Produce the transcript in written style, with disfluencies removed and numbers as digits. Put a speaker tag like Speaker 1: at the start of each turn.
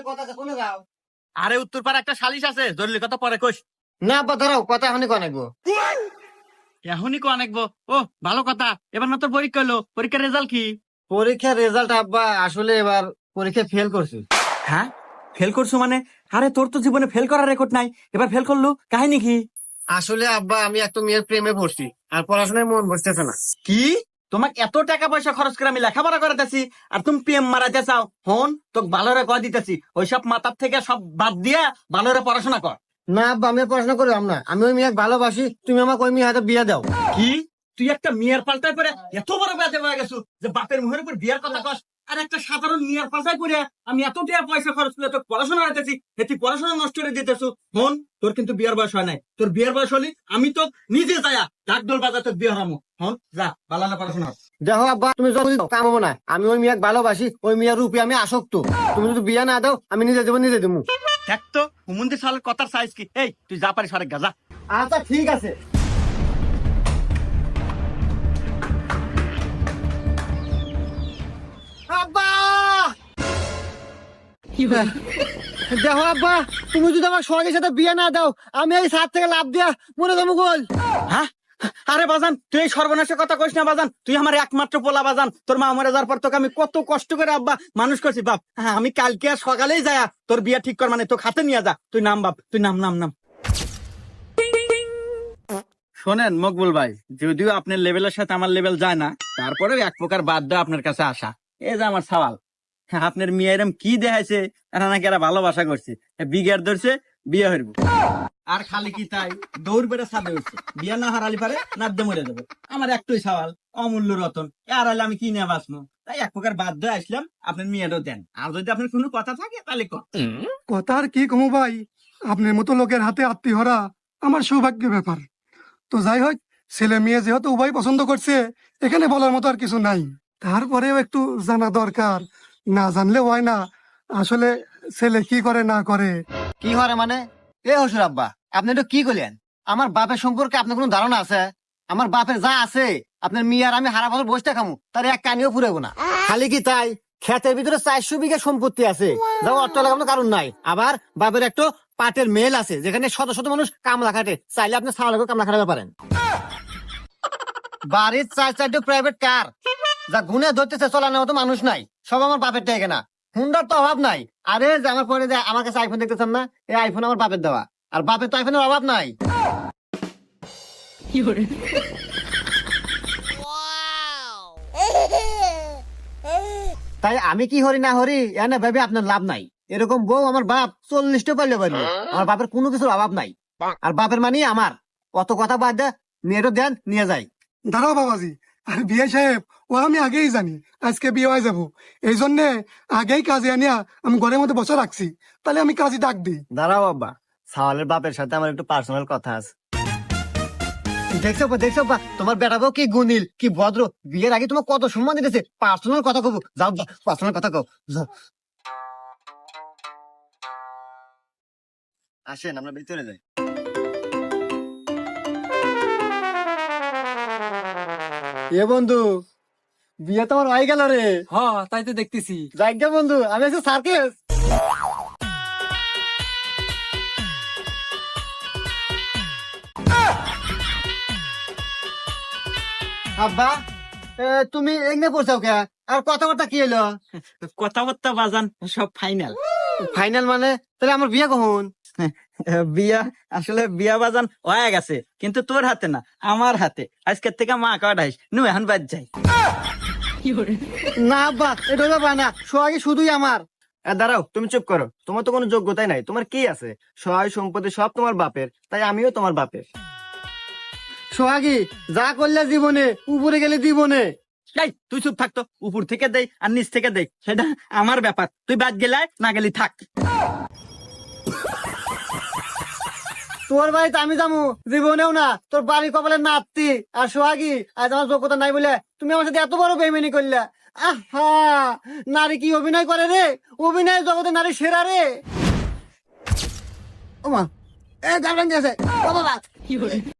Speaker 1: কথা আছে, কোনে যাও?
Speaker 2: আরে উত্তর পাড়া একটা সালিশ আছে, জরুরি কথা পরে কইস।
Speaker 1: না আব্বা দাঁড়াও, কথা এখনই কনাইবো।
Speaker 2: এখনই কো আনেকবো? ও ভালো কথা। এবার না তোর পরীক্ষা হলো, পরীক্ষার রেজাল্ট কি?
Speaker 1: পরীক্ষার রেজাল্ট আব্বা আসলে এবার পরীক্ষা ফেল করছি।
Speaker 2: হ্যাঁ, ফেল করছো মানে? আরে তোর তো জীবনে ফেল করার রেকর্ড নাই, এবার ফেল করলো, কাহিনী কি?
Speaker 1: আসলে আব্বা আমি একটা মেয়ের প্রেমে পড়ছি, আর পড়াশোনায় মন বসতেছে না।
Speaker 2: কি? তোমাকে এত টাকা পয়সা খরচ করে আমি লেখাপড়া করাতেছি, আর তুমি প্রেম মারাতে চাও? হন, তোকে ভালোরে কয় দিতেছি, ওইসব মাথার থেকে সব বাদ দিয়া ভালোরে পড়াশোনা কর।
Speaker 1: না আব্বা, আমি আর পড়াশোনা করলাম না। আমি ওই মেয়েকে ভালোবাসি, তুমি আমাকে ওই মেয়ে হাতে বিয়ে দাও।
Speaker 2: কি? তুই একটা মেয়ের পাল্টায় পরে এত বড় ব্যাধে হয়ে গেছো যে বাপের মুখের উপর বিয়ার কথা কস? আর একটা সাধারণ মেয়ের পাল্টায় করে আমি এত টাকা পয়সা খরচ করে তোর পড়াশোনা হইতেছি, তুই পড়াশোনা নষ্ট করে দিতেছো। হন, তোর কিন্তু বিয়ার বয়স হয় নাই। তোর বিয়ার বয়স হলি আমি তো নিজে যায়া ডাকডোল বাজার তোর বিয়ে হারামো। হন, যা ভালো না পড়াশোনা কর।
Speaker 1: দেখো আব্বা, তুমি যদি কাম হবো না, আমি ওই মেয়েকে ভালোবাসি, ওই মেয়ের রূপে আমি আসক্ত। তুমি যদি বিয়ে না দাও, আমি নিজে দেবো, নিজে দেবো।
Speaker 2: দেখ তো হুমন্দির সালের কথার সাইজ কি। এই তুই যা পারিস আরেক গা যা।
Speaker 1: আচ্ছা ঠিক আছে। আব্বা দেখো আব্বা, তুমি যদি আমার সঙ্গের সাথে বিয়ে না দাও, আমি এই ছাদ থেকে লাভ দিয়া মনে যাবো গোল।
Speaker 2: হ্যাঁ? আরে বাজান, তুই এই সর্বনাশের কথা কইস না বাজান। তুই আমার একমাত্র পোলা বাজান। তোর মা মরে যাওয়ার পর তোকে আমি কত কষ্ট করে আব্বা মানুষ করছি বাপ। হ্যাঁ, আমি কালকে আর সকালেই যায়া তোর বিয়ে ঠিক কর, মানে তোকে হাতে নিয়ে যা। তুই নাম বাপ, তুই নাম নাম নাম। শোনেন মকবুল ভাই, যদিও আপনার লেভেলের সাথে আমার লেভেল যায় না, তারপরেও এক প্রকার বাধ্য আপনার কাছে আসা। এই যে আমার সওয়াল, হ্যাঁ, আপনার মেয়ে এরম কি দেখাইছে, এরা নাকি এরা ভালোবাসা করছে, বিঘার ধরছে, বিয়ে হইব। আর খালি কি তাই, দৌড় বেড়ে ছাদে উঠছে, বিয়ে না হারালি পারে নাদ্যে মরে যাবে। আমার একটাই সওয়াল, অমূল্য রতন, আর হলে আমি কি নিয়ে বাঁচবো? তাই এক প্রকার বাধ্য আসলাম, আপনার মেয়েটাও দেন। আর যদি আপনার কোনো কথা থাকে তাহলে
Speaker 3: কথা আর কি কমু ভাই, আপনার মতো লোকের হাতে আত্মীয়রা আমার সৌভাগ্যের ব্যাপার। তো যাই হোক, ছেলে মেয়ে যেহেতু উভয় পছন্দ করছে, এখানে বলার মতো আর কিছু নাই। তারপরেও একটু জানা দরকার, না জানলে হয় না। আসলে ছেলে কি করে না করে।
Speaker 1: কি হয় মানে? এ হসুর আব্বা, আপনি তো কি করলেন? আমার বাপের সম্পর্কে আপনার কোনো ধারণা আছে? আমার বাপের যা আছে, আপনার মেয়ে আর আমি হারা বছর বসতে খামু, তার এক কানিও ফুরাবো না। খালি কি তাই, ক্ষেতের ভিতরে 400 বিঘা সম্পত্তি আছে, যা অর্থ লাগানোর কারণ নাই। আবার বাপের একটা পাটের মেল আছে, যেখানে শত শত মানুষ কামলা খাটে, চাইলে আপনি ছাড়া লাগেও কামলা খাটাতে পারেন। বাড়ির 4-4টা প্রাইভেট কার, যা গুনে ধরতেছে চলানোর মতো মানুষ নাই, সব আমার বাপের টাকা না। হুন্ডার তো অভাব নাই। আরে যে আমার পরে যে আমার কাছে আইফোন দেখতেছেন না, এই আইফোন আমার বাপের দেওয়া, আর বাপের তো আইফোনের অভাব নাই। তাই আমি কি হরি না হরি এনে ভেবে আপনার লাভ নাই। এরকম বউ আমার বাপ 40টা পারলে পারলো। আমার বাপের কোনো কিছুর অভাব নাই, আর বাপের মানে আমার। অত কথা বাদ দে, মেয়েটা দেন নিয়ে যাই।
Speaker 3: দাঁড়াও বাবাজি, আর বিয়ে সাহেব, ও আমি আগেই জানি আজকে বিয়ে হয়ে যাবো, এই জন্যে আগেই কাজে আনিয়া আমি ঘরের মধ্যে বসে রাখছি। তাহলে আমি কাজে ডাক দিই।
Speaker 1: দাঁড়াও বাবা, সাওয়ালের বাপের সাথে আমার একটু পার্সোনাল কথা আছে। দেখছো বা দেখছো বা, তোমার বেটাকেও কি গুনিল, কি ভদ্র, বিয়ের আগে তোমার কত সম্মান দিতেছে। পার্সোনাল কথা কব, যাও পার্সোনাল কথা কব। আসেন আমরা ভিতরে যাই। এ বন্ধু, বিয়ে তো আমার হয়ে গেল রে।
Speaker 2: হ্যাঁ, তাই তো দেখতেছি।
Speaker 1: যাই গে বন্ধু, আমি আছি সার্কেস। আব্বা, তুমি এগনে পড়ছাও কে? আর কথাবার্তা কি এলো?
Speaker 2: কথাবার্তা বাজান সব ফাইনাল।
Speaker 1: ফাইনাল মানে? তাহলে আমার বিয়ে কখন?
Speaker 2: বিয়া, আসলে বিয়া বাজান হয়ে গেছে, কিন্তু তোর হাতে না, আমার হাতে। আজকের থেকে মা কাটাইস নু, এখন বাদ যাই।
Speaker 1: না আব্বা, এটা ব্যাপার না, সোহাগী শুধুই আমার। দাঁড়াও, তুমি চুপ করো। তোমার তো কোনো যোগ্যতাই নাই। তোমার কি আছে? সহায় সম্পত্তি সব তোমার বাপের, তাই আমিও তোমার বাপের। সোহাগী, যা করলে জীবনে, উপরে গেলে জীবনে।
Speaker 2: এই তুই চুপ থাকতো, উপর থেকে দেই আর নিচ থেকে দেই সেটা আমার ব্যাপার। তুই বাদ গেলে না গেলি থাক।
Speaker 1: তোর বাড়িতে আমি যাবো জীবনেও না। তোর বাড়ি কপালে নাপতি। আর সোহাগী, আজ আমার যোগ্যতা নাই বলে তুমি আমার সাথে এত বড় বেইমানি করলে। আহা, নারী কি অভিনয় করে রে? অভিনয় জগতে নারী সেরা রে। ওমা, এ গার্লফ্রেন্ড আছে, ও বাবা।